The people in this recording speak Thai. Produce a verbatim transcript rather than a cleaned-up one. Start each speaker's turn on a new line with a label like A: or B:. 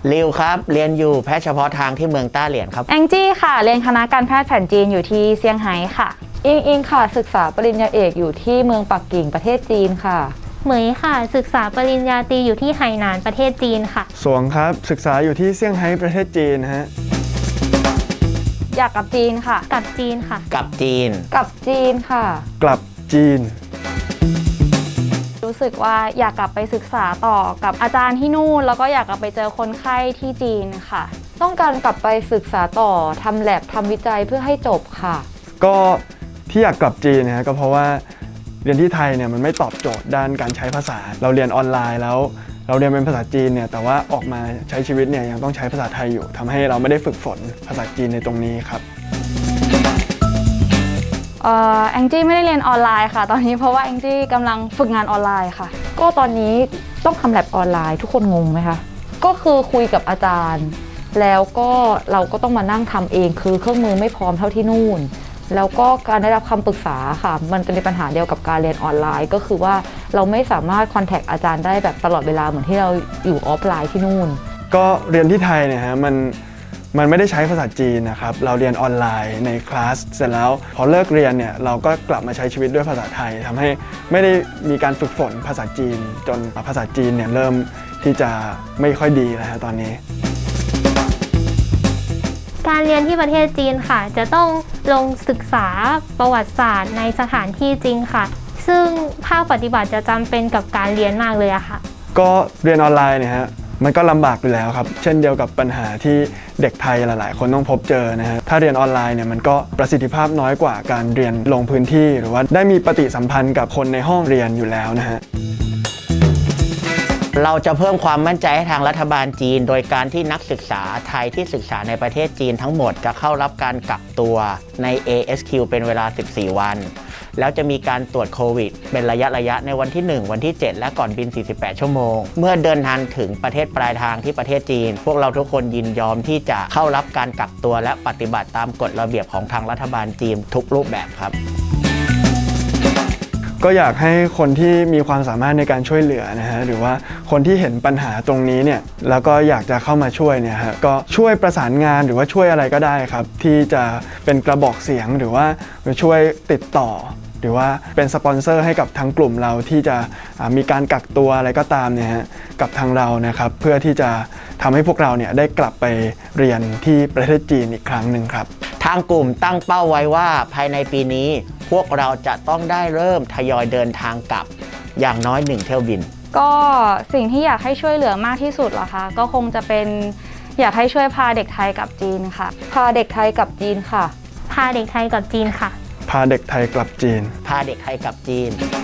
A: ริวครับเรียนอยู่แพทย์เฉพาะทางที่เมืองต้าเหรียญครับ
B: แองจี้ค่ะเรียนคณะการแพทย์แผนจีนอยู่ที่เซี่ยงไฮ้ค่ะ
C: อิงอิงค่ะศึกษาปริญญาเอกอยู่ที่เมืองปักกิ่งประเทศจีนค่ะ
D: เหมยค่ะศึกษาปริญญาตรีอยู่ที่ไหหนานประเทศจีนค่ะ
E: สวงครับศึกษาอยู่ที่เซี่ยงไฮ้ประเทศจีนฮะ
B: อยากกลับจีนค่ะ
D: กลับจีนค่ะ
A: กลับจีน
C: กลับจีนค่ะ
E: กลับจีน
B: รู้สึกว่าอยากกลับไปศึกษาต่อกับอาจารย์ที่นู่นแล้วก็อยากกลับไปเจอคนไข้ที่จีนค่ะ
C: ต้องการกลับไปศึกษาต่อทำแลบทำวิจัยเพื่อให้จบค่ะ
E: ก็ที่อยากกลับจีนนะฮะก็เพราะว่าเรียนที่ไทยเนี่ยมันไม่ตอบโจทย์ด้านการใช้ภาษาเราเรียนออนไลน์แล้วเราเรียนเป็นภาษาจีนเนี่ยแต่ว่าออกมาใช้ชีวิตเนี่ยยังต้องใช้ภาษาไทยอยู่ทำให้เราไม่ได้ฝึกฝนภาษาจีนในตรงนี้ครับ
B: เอ่อแองจี้ไม่ได้เรียนออนไลน์ค่ะตอนนี้เพราะว่าแองจี้กำลังฝึกงานออนไลน์ค่ะ
C: ก็ตอนนี้ต้องทำแลบออนไลน์ทุกคนงงไหมคะก็คือคุยกับอาจารย์แล้วก็เราก็ต้องมานั่งทำเองคือเครื่องมือไม่พร้อมเท่าที่นู่นแล้วก็การได้รับคำปรึกษาค่ะมันเป็นปัญหาเดียวกับการเรียนออนไลน์ก็คือว่าเราไม่สามารถคอนแทคอาจารย์ได้แบบตลอดเวลาเหมือนที่เราอยู่ออฟไลน์ที่นู่น
E: ก็เรียนที่ไทยเนี่ยฮะมันมันไม่ได้ใช้ภาษาจีนนะครับเราเรียนออนไลน์ในคลาสเสร็จแล้วพอเลิกเรียนเนี่ยเราก็กลับมาใช้ชีวิตด้วยภาษาไทยทำให้ไม่ได้มีการฝึกฝนภาษาจีนจนภาษาจีนเนี่ยเริ่มที่จะไม่ค่อยดีแล้วฮะตอนนี้
D: การเรียนที่ประเทศจีนค่ะจะต้องลงศึกษาประวัติศาสตร์ในสถานที่จริงค่ะซึ่งภาคปฏิบัติจะจำเป็นกับการเรียนมากเลยอะค่ะ
E: ก็เรียนออนไลน์เนี่ยฮะมันก็ลำบากอยู่แล้วครับเช่นเดียวกับปัญหาที่เด็กไทยหลายๆคนต้องพบเจอนะฮะถ้าเรียนออนไลน์เนี่ยมันก็ประสิทธิภาพน้อยกว่าการเรียนลงพื้นที่หรือว่าได้มีปฏิสัมพันธ์กับคนในห้องเรียนอยู่แล้วนะฮะ
A: เราจะเพิ่มความมั่นใจให้ทางรัฐบาลจีนโดยการที่นักศึกษาไทยที่ศึกษาในประเทศจีนทั้งหมดจะเข้ารับการกักตัวใน เอ เอส คิว เป็นเวลาสิบสี่วันแล้วจะมีการตรวจโควิดเป็นระยะระยะในวันที่หนึ่งวันที่เจ็ดและก่อนบินสี่สิบแปดชั่วโมงเมื่อเดินทางถึงประเทศปลายทางที่ประเทศจีนพวกเราทุกคนยินยอมที่จะเข้ารับการกักตัวและปฏิบัติตามกฎระเบียบของทางรัฐบาลจีนทุกรูปแบบครับ
E: ก็อยากให้คนที่มีความสามารถในการช่วยเหลือนะฮะหรือว่าคนที่เห็นปัญหาตรงนี้เนี่ยแล้วก็อยากจะเข้ามาช่วยเนี่ยฮะก็ช่วยประสานงานหรือว่าช่วยอะไรก็ได้ครับที่จะเป็นกระบอกเสียงหรือว่าช่วยติดต่อหรือว่าเป็นสปอนเซอร์ให้กับทางกลุ่มเราที่จะมีการกักตัวอะไรก็ตามเนี่ยฮะกับทางเรานะครับเพื่อที่จะทำให้พวกเราเนี่ยได้กลับไปเรียนที่ประเทศจีนอีกครั้งหนึ่งครับ
A: ทางกลุ่มตั้งเป้าไว้ว่าภายในปีนี้พวกเราจะต้องได้เริ่มทยอยเดินทางกลับอย่างน้อยหนึ่งเที่ยวบิน
B: ก็สิ่งที่อยากให้ช่วยเหลือมากที่สุดเหรอคะก็คงจะเป็นอยากให้ช่วยพาเด็กไทยกลับจีนค่ะ
C: พาเด็กไทยกลับจีนค่ะ
D: พาเด็กไทยกลับจีนค่ะ
E: พาเด็กไทยกลับจีน
A: พาเด็กไทยกลับจีน